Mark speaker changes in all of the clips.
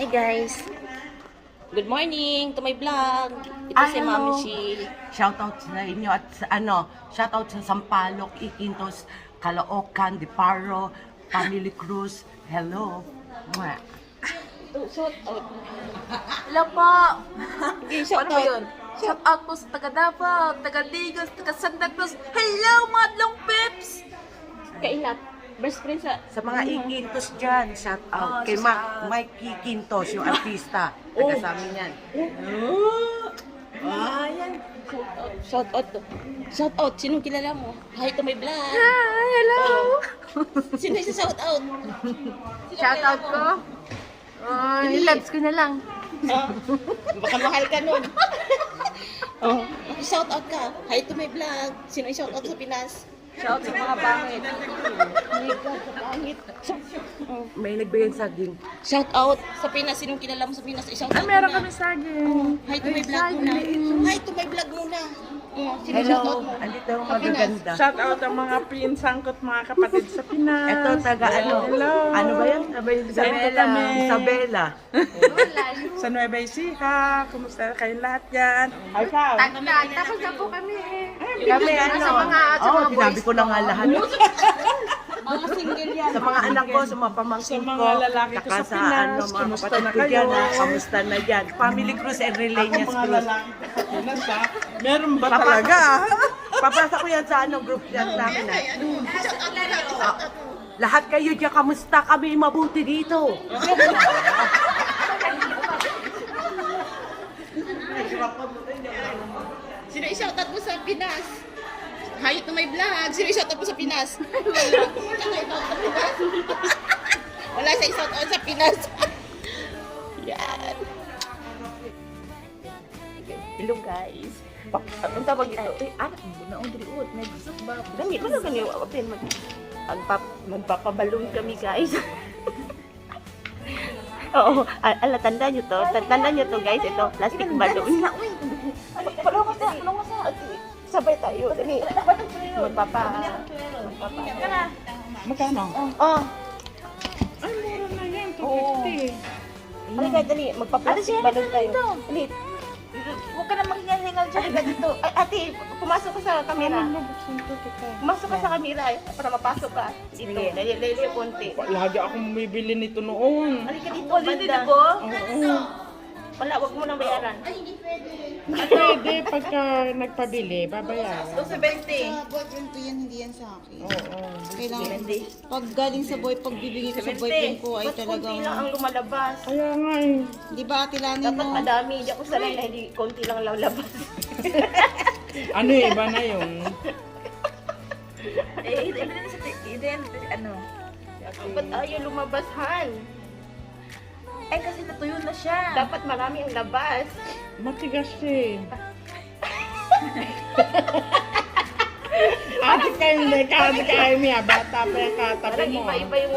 Speaker 1: guys. Good morning to my vlog. Ito
Speaker 2: Ay,
Speaker 1: si
Speaker 2: hello.
Speaker 1: Mami Shi.
Speaker 2: Shoutout sa inyo at sa, shoutout sa Sampaloc, Iquintos, Caloocan, Diparo, Family Cruz. Hello. Mwah.
Speaker 1: Shout out.
Speaker 3: Hello po!
Speaker 1: Okay, shout
Speaker 3: Ano ba
Speaker 1: out.
Speaker 3: yun? Shout out po sa taga Davao, taga Digos, taga Santa Cruz. Hello, Madlong Pips!
Speaker 1: Kailat. Best friend sa...
Speaker 2: Sa mga Iquintos dyan, shout out.
Speaker 3: Oh,
Speaker 2: Kay
Speaker 3: shout out.
Speaker 2: Mike Iquintos, yung artista. Taga sa amin yan.
Speaker 1: Ayan. Shout out. Shout out. Sinong kilala mo? Hi to my vlog.
Speaker 3: Hi, hello!
Speaker 1: Sino yung shout out?
Speaker 3: Shout out ko? Loves ko na lang.
Speaker 1: Baka mahal ka nun. Oh, shout out ka. Hi to my vlog. Sino yung shout out sa Pinas?
Speaker 3: Shout sa mga bangit.
Speaker 1: Oh my God, kapangit.
Speaker 2: May nagbigay sa saging.
Speaker 1: Shout out sa Pinas. Sinong kilala mo sa Pinas? I-shout out
Speaker 3: Meron
Speaker 1: muna.
Speaker 3: kami saging.
Speaker 1: Hi to my vlog muna. Hi to my vlog muna. Sino shout out
Speaker 2: Hello,
Speaker 1: mo?
Speaker 2: andito yung magaganda.
Speaker 4: Shout out ang mga pinsangkot mga kapatid sa Pinas.
Speaker 2: Ito, taga ano?
Speaker 4: Hello.
Speaker 2: Ano ba yan?
Speaker 4: Isabela.
Speaker 2: Isabela.
Speaker 4: Sa Nueva Ecija. Kumusta kayong lahat yan? Ikaw.
Speaker 3: Tapos na po kami.
Speaker 2: Kami ano?
Speaker 3: Sa mga
Speaker 2: sinabi ko na nga lahat.
Speaker 1: Mga single yan.
Speaker 2: Sa mga anak ko, sa mga pamangkin
Speaker 4: Sa mga
Speaker 2: ko,
Speaker 4: lalaki ko
Speaker 2: saka
Speaker 4: sa Pinas,
Speaker 2: mga
Speaker 4: kamusta
Speaker 2: kapatid
Speaker 4: na
Speaker 2: ko
Speaker 4: kayo?
Speaker 2: dyan, kamusta na dyan. Family Cruz and Relanias
Speaker 4: Mga
Speaker 2: Cruz.
Speaker 4: lalaki sa Pinas ha. Meron ba
Speaker 2: Papa-
Speaker 4: talaga?
Speaker 2: Papasa ko yan sa group chat namin. Lahat kayo dyan, kamusta kami mabuti dito?
Speaker 1: Sino i-shout out mo sa Pinas? Hi to my vlog. Sino i-shout out mo sa Pinas? Wala sa i-shout out sa Pinas. Yan. Hello guys. Ang tawag ito? Anak mo na ang diriot. Nag-zoom ba? Dami ko na ganyan. Magpapabalong kami guys. Oo, tandaan nyo to. Tandaan nyo to guys. Ito, plastic balloon. Palong ka sa. Sabay tayo. Dali. Magpapa.
Speaker 4: Magkano?
Speaker 1: Oh.
Speaker 4: Ay, mura na yan. 250.
Speaker 1: Halika, dali. Magpa-plastic balloon tayo. Dali. Huwag ka na maghingal-hingal dyan. Halika dito. Ay, ate, pumasok ka sa camera. Pumasok ka sa camera para mapasok ka. Dito. Dali, konti.
Speaker 4: Lagi akong bumibili nito noon.
Speaker 1: Halika dito, banda.
Speaker 4: Oo.
Speaker 1: Wala, wag mo nang bayaran.
Speaker 4: Pwede pagka nagpabili, babayaran.
Speaker 1: 270.
Speaker 5: Boyfriend ko yan, hindi yan sa akin.
Speaker 4: Oo.
Speaker 5: Kailangan, pag galing sa pag bibigay ko sa boyfriend ko ay
Speaker 1: Ba't konti lang
Speaker 5: talagang,
Speaker 1: ang lumalabas?
Speaker 4: Kaya nga eh.
Speaker 5: di ba Ate Lani,
Speaker 1: Dapat
Speaker 5: no?
Speaker 1: madami. Hindi ako sanay na hindi konti lang lalabas.
Speaker 4: Ano eh, iba na yun.
Speaker 1: Ba't ayaw lumabas, Han?
Speaker 3: Eh kasi natuyo na siya.
Speaker 1: Dapat marami ang labas.
Speaker 4: Matigas eh. Ate kayo hindi ka, ate kayo niya, bata pa yung katabi
Speaker 1: Parang
Speaker 4: mo.
Speaker 1: iba-iba yung...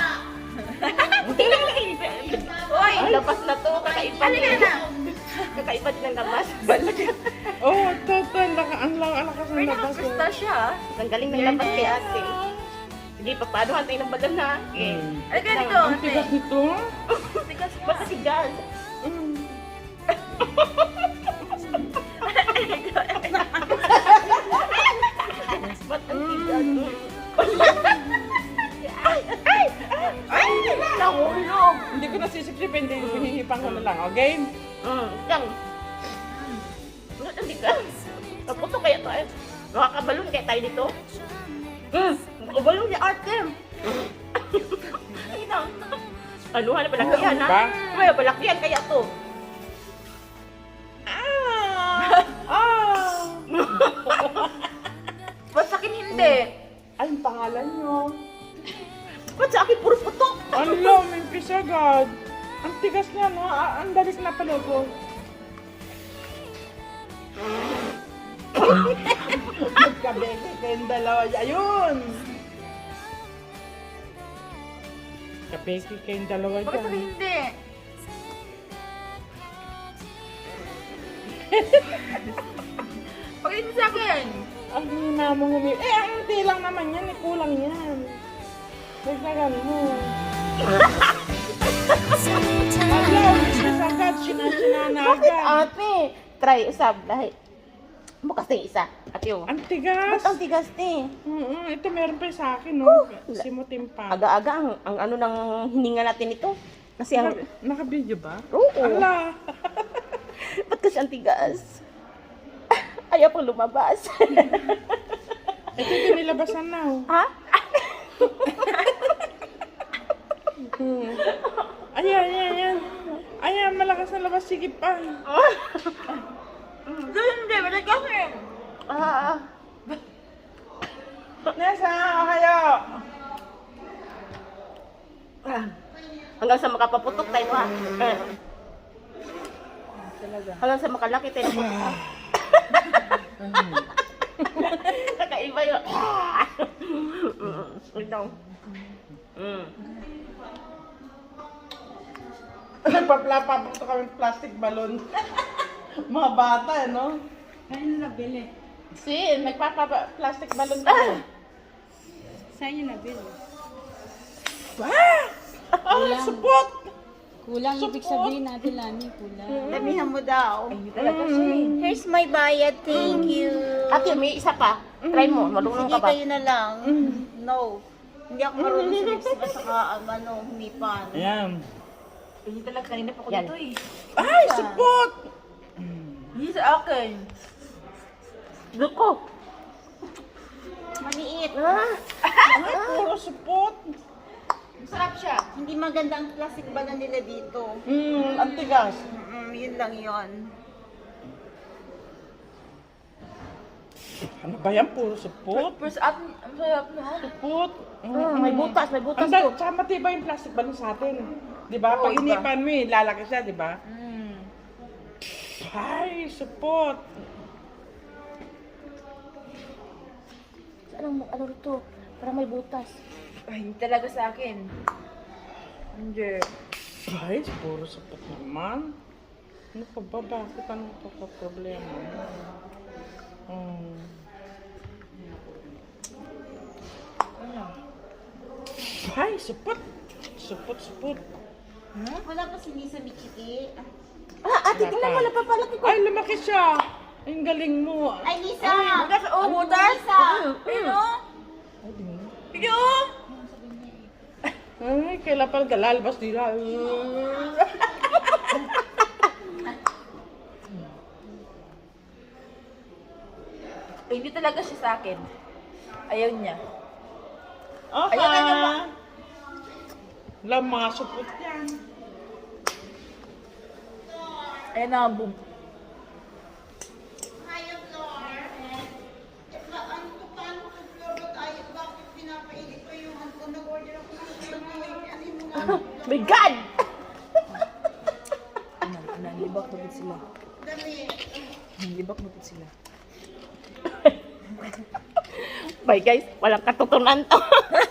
Speaker 1: Hoy, labas na to. Kakaiba na. Kakaiba din ang labas.
Speaker 4: Oo, total, ang lakas ng labas.
Speaker 3: Nakakasta siya.
Speaker 1: Ang galing ng labas kay ate. Sige, papaanohan tayo ng bagal na. Okay.
Speaker 3: Halika dito,
Speaker 4: Ang
Speaker 3: ate.
Speaker 4: tigas nito.
Speaker 1: Ba't kasi gas? Ba't ang tigas? Ay! Nahulog!
Speaker 4: Hindi ko nasisip-sipin, hindi hinihipan ko na lang, okay?
Speaker 1: Yang. Ba't ang tigas? Naputo kaya to eh. Makakabalon kaya tayo dito? Makabalon ni ate. Ay na. Ano na palakihan ha?
Speaker 4: Ba?
Speaker 1: May palakihan kaya to.
Speaker 3: Ba't sa akin hindi?
Speaker 4: Ay, ang pangalan nyo.
Speaker 1: Ba't sa akin puro putok?
Speaker 4: Ano, may pisagad. Ang tigas niya, no? Ang dali ko na palugo. Magkabeke kayong dalawa. Ayun! Kabeke kayong dalawa
Speaker 3: Bakit sa akin
Speaker 4: dyan.
Speaker 3: hindi? Bakit hindi sa akin?
Speaker 4: Ang hina mo humi... Eh, ang hindi lang naman yan. Eh, kulang yan. Dagdagan mo. Ayaw, agad, sinana
Speaker 1: Bakit
Speaker 4: agad.
Speaker 1: ate? Try usab dahil. Bukas na yung isa. Ate oh.
Speaker 4: Ang tigas.
Speaker 1: Ba't ang tigas te?
Speaker 4: Ito meron pa sa akin, no? Simutin pa.
Speaker 1: Aga-aga ang ano ng hininga natin ito. Kasi ang...
Speaker 4: Naka-video ba?
Speaker 1: Oo.
Speaker 4: Ala.
Speaker 1: Ba't kasi ang tigas? Ayaw pang lumabas.
Speaker 4: Ito yung nilabasan na, oh.
Speaker 1: Ha?
Speaker 4: Ayan. Ayan, malakas na labas. Sige pa.
Speaker 1: Hindi, balik kasi.
Speaker 4: Nessa, kayo.
Speaker 1: Hanggang sa makapaputok tayo ha. Hanggang sa makalaki tayo. Kakaiba yun. Ito.
Speaker 4: Nagpaplapa pa kami plastic balloon. Mga bata, no?
Speaker 5: Ayun na nabili.
Speaker 4: Nagpapa-plastic balloon kami.
Speaker 5: Saan yun nabili?
Speaker 4: Support!
Speaker 5: Kulang ibig sabihin natin, Lani. Kulang.
Speaker 6: Damihan mo daw. Here's my bayad, thank you.
Speaker 1: Ate, may isa pa. Try mo, malunong
Speaker 6: Sige,
Speaker 1: ka ba?
Speaker 6: kayo na lang. No. Hindi ako marunong sa lips at saka humipan.
Speaker 4: Ayan.
Speaker 3: Hindi talaga kanina pa ko
Speaker 1: Yan.
Speaker 3: dito eh.
Speaker 4: Ay, support!
Speaker 3: Hindi sa akin.
Speaker 1: Duko.
Speaker 6: Maliit.
Speaker 4: Ay, puro support.
Speaker 3: Masarap siya.
Speaker 6: Hindi maganda ang plastic balon nila dito.
Speaker 4: Ang tigas.
Speaker 6: Yun lang yun.
Speaker 4: Ano ba yan? Puro support?
Speaker 3: Pero sa atin, ang sarap na.
Speaker 4: Support.
Speaker 1: May butas
Speaker 4: Ang
Speaker 1: to.
Speaker 4: tsaka matibay yung plastic balloon sa atin. Di ba? Pag inipan mo lalaki siya, di ba? Ay, support.
Speaker 1: Ano rito? Parang may butas.
Speaker 3: Ay, hindi talaga sa akin. Hindi.
Speaker 4: Ay, puro support naman. Ano pa ba? Bakit ano pa pa problema? Ay, support. Support.
Speaker 6: Wala pa si Lisa Michiki.
Speaker 1: Ate, tingnan mo, napapalaki ko.
Speaker 4: Ay, lumaki siya. Ay, ang galing mo.
Speaker 6: Ay, Lisa!
Speaker 3: Butas, oh, butas.
Speaker 6: Lisa!
Speaker 3: Ano? Video!
Speaker 4: Ay, kailan pa galalabas nila.
Speaker 3: Hindi talaga siya sa akin. Ayaw niya.
Speaker 4: Okay.
Speaker 3: Ayan, ayan pa.
Speaker 4: Wala, mga support yan.
Speaker 3: Ayan na, boom.
Speaker 1: My God!
Speaker 3: Libak na sila. Libak na sila.
Speaker 1: Bye guys, walang katutunan to.